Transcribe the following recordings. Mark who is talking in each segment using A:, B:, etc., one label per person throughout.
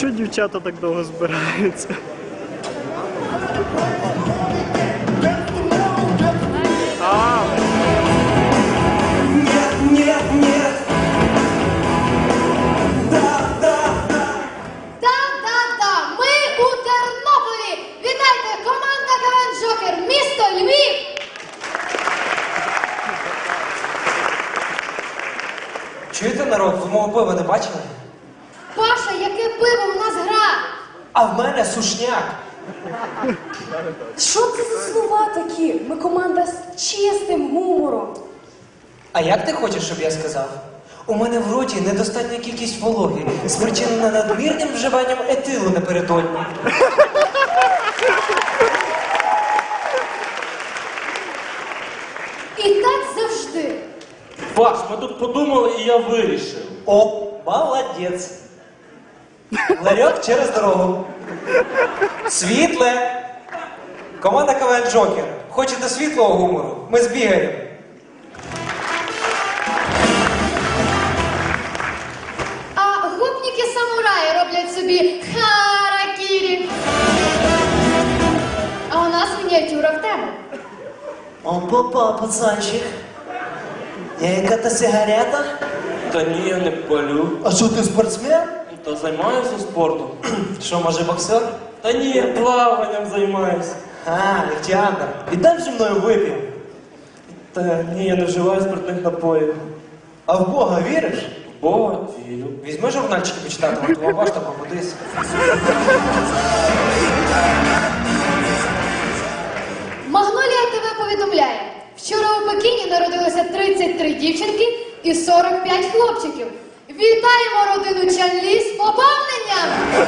A: Чого дівчата так довго збираються?
B: Да-да-да, ми у Тернополі! Вітайте, команда КВН Джокер, місто Львів!
C: Чуєте, народ, ви мого пива не бачили?
B: Паша, яке пиво, у нас гра!
C: А в мене сушняк.
D: Що це за слова такі? Ми команда з чистим гумором.
C: А як ти хочеш, щоб я сказав? У мене в роті недостатня кількість вологи, спричинена надмірним вживанням етилу напередодні.
B: І так завжди.
E: Паш, ми тут подумали і я вирішив.
C: О, молодець. Ларьок через дорогу. Світле. Команда КВН Джокер. Хочете світлого гумору? Ми збігаємо.
B: А гопніки-самураї роблять собі харакірі. А у нас мініатюра в тему.
C: Опа, пацанчик. Яка-то сигарета?
E: Та ні, я не палю.
C: А що ти спортсмен?
E: Та займаюся спортом.
C: Що, може боксер?
E: Та ні, я плаванням займаюся.
C: А, Лехтіандр. Віддай зі мною вип'ємо.
E: Та ні, я не вживаю спиртних напоїв.
C: А в Бога віриш?
E: В Бога вірю.
C: Візьми журнальчики почитати, от твого башта побудись.
B: Магнолія ТВ повідомляє, вчора у Пекіні народилося 33 дівчинки і 45 хлопчиків. Вітаємо родину Чанлі з поповненням!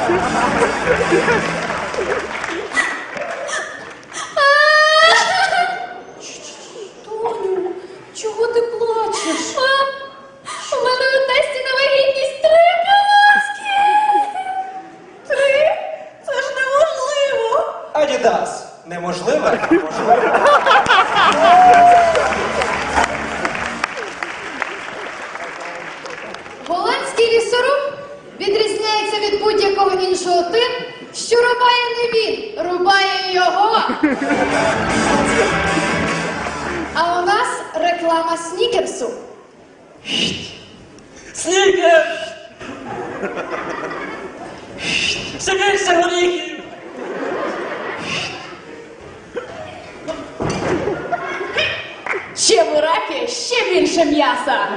D: Тоню, чого ти плачеш?
B: У мене у тесті на вагітність 3 полоски!
D: 3? Це ж неможливо!
C: Адідас. Неможливо? Можливо.
B: Голландський лісоруб відрізняється від будь-якого іншого тим, що рубає не він, рубає його. А у нас реклама снікерсу.
E: Снікер! Ще більше горіхів!
D: Ще бураки, ще більше м'яса!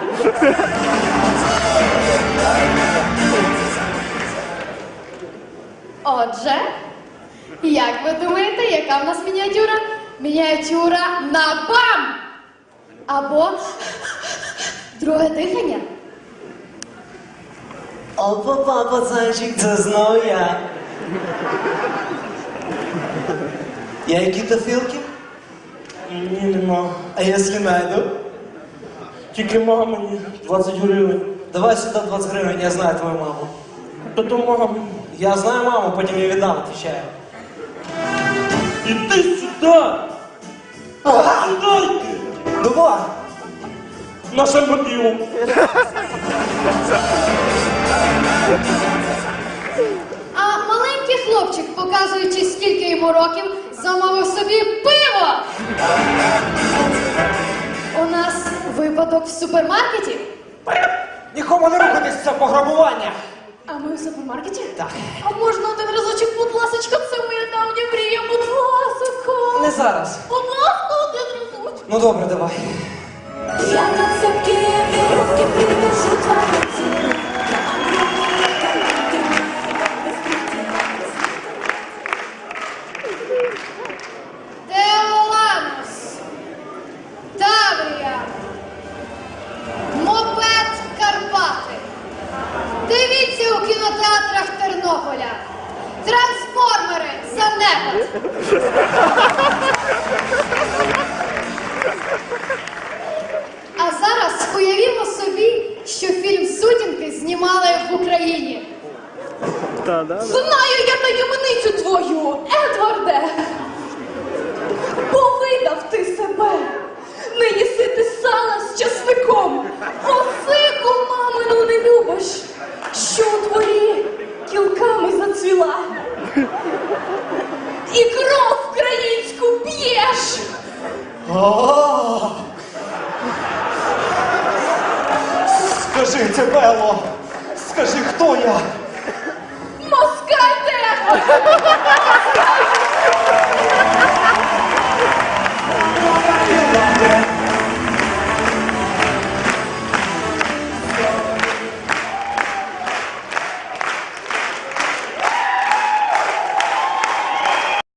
B: Отже, як ви думаєте, яка в нас мініатюра? Мініатюра на бам! Або друге дихання.
C: Опа, пацанчик, це знов я. Я які-то філки?
E: Ні, нема.
C: А якщо найду?
E: Тільки мамині 20 гривень.
C: Давай сюди 20 гривень, я знаю твою маму.
E: Та то мамі.
C: Я знаю маму, потім її віддам, отвечаю.
E: Іди сюди! Сюди йди!
C: Давай!
E: Наша мобілу.
B: А маленький хлопчик, показуючи, скільки йому років, замовив собі пиво. У нас випадок в супермаркеті.
C: Нікому не рухатись, це пограбування!
B: А ми в супермаркеті?
C: Так.
B: А можна один разочок, будь ласочка, це моя давня мрія, будь ласочка.
C: Не зараз.
B: Будь ласка, один разочок.
C: Ну добре, давай.
D: Я на цепкі вірьовки привяжу твоє тіло.
B: Деоланус, Таврія, Мопед Карпати. Дивіться у кінотеатрах Тернополя. Трансформери, занепад. А зараз уявімо собі, що фільм «Сутінки» знімали в Україні.
A: Та-да.
D: Знаю я таємницю твою, Едварде! Повидав ти себе! Не їси ти сала з часником! Осику мамину не любиш! Що у дворі кілками
E: Скажи, це Белло! Скажи, хто я?
B: Москальде!